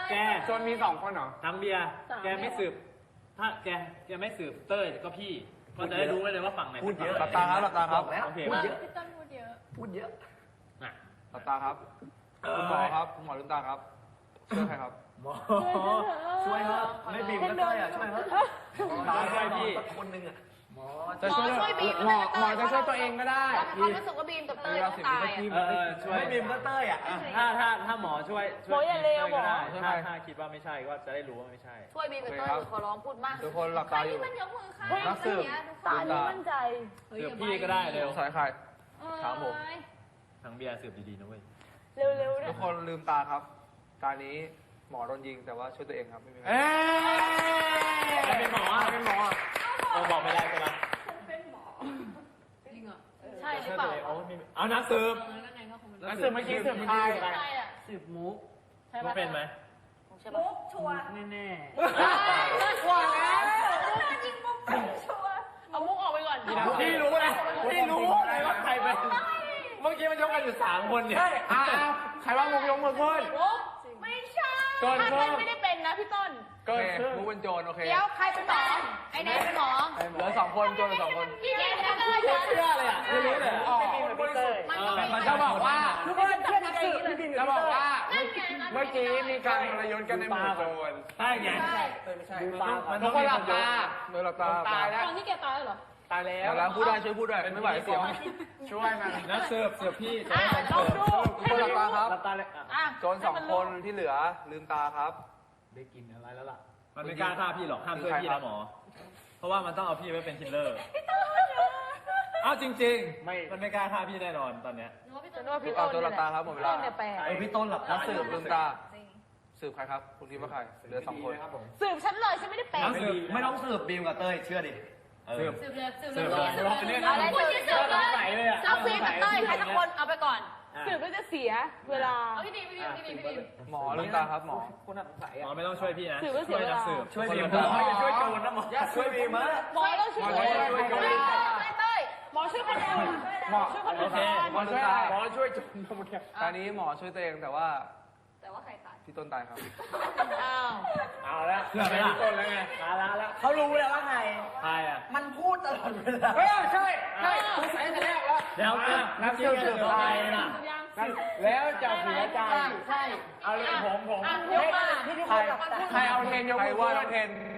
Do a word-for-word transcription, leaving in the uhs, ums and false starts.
แกจนมีสองคนเหรอทั้งเบียร์แกไม่สืบถ้าแกแกไม่สืบเต้ยก็พี่ก็จะได้รู้ไว้เลยว่าฝั่งไหนพูดเยอะหลับตาครับหลับตาครับโอเคพูดเยอะพี่ต้นพูดเยอะพูดเยอะน่ะหลับตาครับคุณหมอครับคุณหมอลืมตาครับช่วยใครครับหมอช่วยครับไม่บีบก็ได้อะช่วยครับหมอช่วยพี่คนหนึ่งอะหมอจะช่วยหมอหมอจะช่วยตัวเองก็ได้ความรู้สึกว่าบีมกับเต้ยต้องตายเออช่วยไม่บีบก็เต้ยอะถ้าถ้าถ้าหมอช่วยช่วยเต้ยก็ได้ถ้าถ้าคิดว่าไม่ใช่ก็จะได้รู้ว่าไม่ใช่ช่วยบีมกับเต้ยขอร้องพูดมากทุกคนหลับตาอยู่มันยกมือค่ะนักสืบตานี่มั่นใจสืบพี่ก็ได้เร็วสายใครถามผมทั้งเบียร์สืบดีๆนะเว้ยเร็วๆทุกคนลืมตาครับตานี้หมอโดนยิงแต่ว่าช่วยตัวเองครับไม่มีใครเป็นหมอเป็นหมอเออบอกไม่ได้ใช่ไหมเป็นหมอจริงเหรอใช่หรือเปล่าเอานักสืบนักสืบเมื่อกี้สืบใครสืบมุกมุกเป็นไหมมุกชัวร์แน่แน่ชัวร์แล้วจริงมุกชัวร์เอามุกออกไปก่อนพี่รู้นะพี่รู้เลยว่าใครเป็นเมื่อกี้มันยกกันอยู่สามคนเนี่ยอ่าใครว่ามุกยกมือขึ้นไม่ใช่ถ้าต้นไม่ได้เป็นนะพี่ต้นก็มุกเป็นโจรโอเคเดี๋ยวใครเป็นหมอไอ้เนทเป็นหมอเหลือสองคนโจรสองคนพี่เนทเป็นเต้ยเชื่อเลยอ่ะไม่รู้เลยอ๋อมันจะบอกว่าทุกคนเชื่อนักสืบจะบอกว่าเมื่อกี้มีการทรยศกันในหมู่โจรใช่ไงใช่ไม่ใช่มันทุกคนหลับตาโดยหลับตาตายแล้วตอนที่แกตายเหรอตายแล้วแล้วพูดได้ช่วยพูดด้วยไม่ไหวเสียงช่วยมันนักสืบสืบพี่อ่ะลองดูคนหลับตาครับหลับตาเลยโจรสองคนที่เหลือลืมตาครับได้กินอะไรแล้วล่ะมันไม่กล้าฆ่าพี่หรอกห้ามช่วยพี่นะหมอเพราะว่ามันต้องเอาพี่ไว้เป็นคิลเลอร์อ้าวจริงๆไม่มันไม่กล้าฆ่าพี่แน่นอนตอนเนี้ยนึกว่าพี่ต้นเอาโจรหลับตาครับหมดเวลาไอพี่ต้นหลับตาสืบลืมตาสืบใครครับคุณคิดว่าใครเหลือสองคนสืบฉันเลยฉันไม่ได้เป็นไม่ต้องสืบบีมกับเต้ยเชื่อดิสืบสืบเลยสืบเลยสืบเลยอะไรสืบสืบเลยเอาบีมกับเต้ยใครสักคนเอาไปก่อนสืบแล้วจะเสียเวลาเอาพี่บีมพี่บีมพี่บีมพี่บีมหมอลืมตาครับหมอคนน่าสงสัยอ่ะหมอไม่ต้องช่วยพี่นะสืบแล้วเสียเวลาช่วยบีมหมออย่าช่วยโจรนะหมออย่าช่วยบีมนะหมอต้องช่วยโจรไม่เต้ยหมอช่วยคนเดียวหมอช่วยคนเดียวหมอช่วยหมอช่วยโจรเมื่อกี้ตอนนี้หมอช่วยตัวเองแต่ว่าแต่ว่าใครตายพี่ต้นตายครับอ้าวเอาแล้วเชื่อไหมล่ะต้นแล้วไงมาแล้วแล้วเขารู้แล้วว่าใครใครอ่ะมันพูดตลอดเวลาเฮ้ยใช่ใช่สงสัยแต่แรกแล้วเดี๋ยวนักสืบสืบตายน่ะแล้วจะเสียใจใช่เอาเลยผมผมยกมาใครใครเอาเทนยกมือว่าเทน